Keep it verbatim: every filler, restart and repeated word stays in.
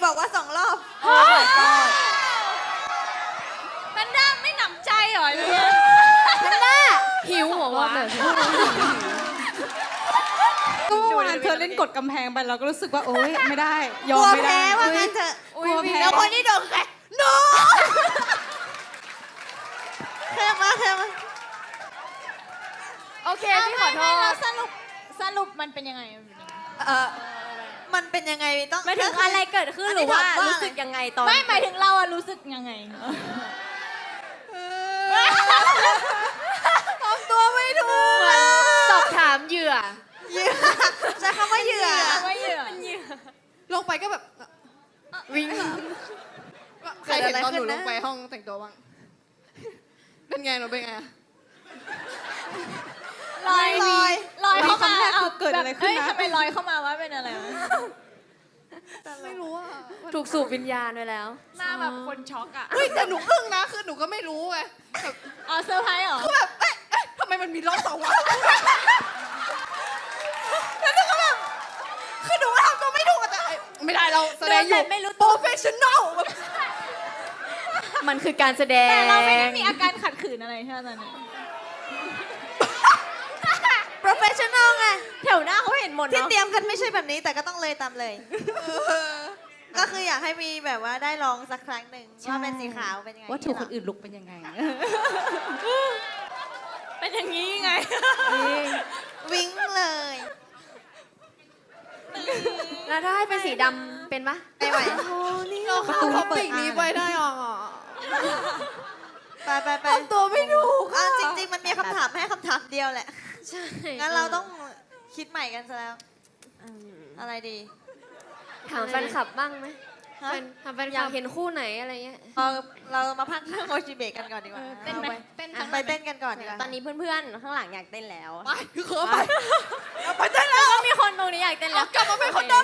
บอกว่าสองรอบโอ้ยกอดแพนด้าไม่หนำใจเหรอเนี่ยแพนด้าหิวหัววะก็เมื่อวานเธอเล่นกดกำแพงไปเราก็รู้สึกว่าโอ๊ยไม่ได้ยกอลัมวไม่ได้แพ้ว่างั้นเถอะกลัวแพ้แล้วคนที่โดนแพ้โน้เท่มากเท่มากโอเคพี่ขอโทไม่ไม่ษแล้วสรุปสรุปมันเป็นยังไงมันเป็นยังไงเออมันเป็นยังไงต้องไม่ถึงอะไรเกิดขึ้นหรือว่ารู้สึกยังไงตอนไม่หมายถึงเราอะรู้สึกยังไงทำตัวไม่ถูกเหมือนสอบถามเหยื่อเหยื่อใช้คำว่าเหยื่อว่าเหยื่อลงไปก็แบบวิ่งใครเห็นตอนหนูลงไปห้องแต่งตัวบ้างเป็นไงหนูเป็นไงอะลอยลอยลอยเข้ามาคำแรกคือเกิดอะไรขึ้นนะเอ้ยทำไมลอยเข้ามาว่าเป็นอะไรวะไม่รู้อะถูกสูบวิญญาณไปแล้วหน้าแบบคนช็อกอะเฮ้ยแต่หนูอึ้งนะคือหนูก็ไม่รู้ไงแบบอ๋อเซอร์ไพรส์เหรอคือแบบเอ๊ะเอ๊ะทำไมมันมีรอบสองวะแล้วหนูก็แบบคือหนูก็ทำตัวไม่ถูกอะแต่ไม่ได้เราแสดงอยู่เดินแบบไม่รู้โปรเฟชชั่นอลมันคือการแสดงแต่เราไม่ได้มีอาการขัดขืนอะไรใช่ไหมตอนนี้ professional ไงแถวหน้าเขาเห็นหมดที่เนาะเตรียมกันไม่ใช่แบบนี้แต่ก็ต้องเลยตามเลย ก็คืออยากให้มีแบบว่าได้ลองสักครั้งหนึ่งว่าเป็นสีขาวเป็นยังไงว่าถูกคนอื่นลุกเป็นยังไงเป็นอย่างนี้ไงวิ่งเลยแล้วถ้าให้เป็นสีดำเป็นปะไม่ไหวเราเข้าท็อปิกนี้ไปได้หรอไปไปไปทำตัวไม่ถูกอ่ะอะจริง ๆ มันมีคำถามให้คำถามเดียวแหละใช่งั้นเราต้องคิดใหม่กันซะแล้วอืมอะไรดีถามแฟนคลับบ้างไหมฮะแฟนถามแฟนคลับอยากเห็นคู่ไหนอะไรเงี้ยเราเรามาพักเรื่องโมจิเบะกันก่อนดีกว่าเต้นไหมเต้นอ่ะไปเต้นกันก่อนดีกว่าตอนนี้เพื่อนๆ ข้างหลังอยากเต้นแล้วไปคือเขาไปไปเต้นแล้ว ก็มีคนตรงนี้อยากเต้นแล้วกลับมาเป็นคนเดิ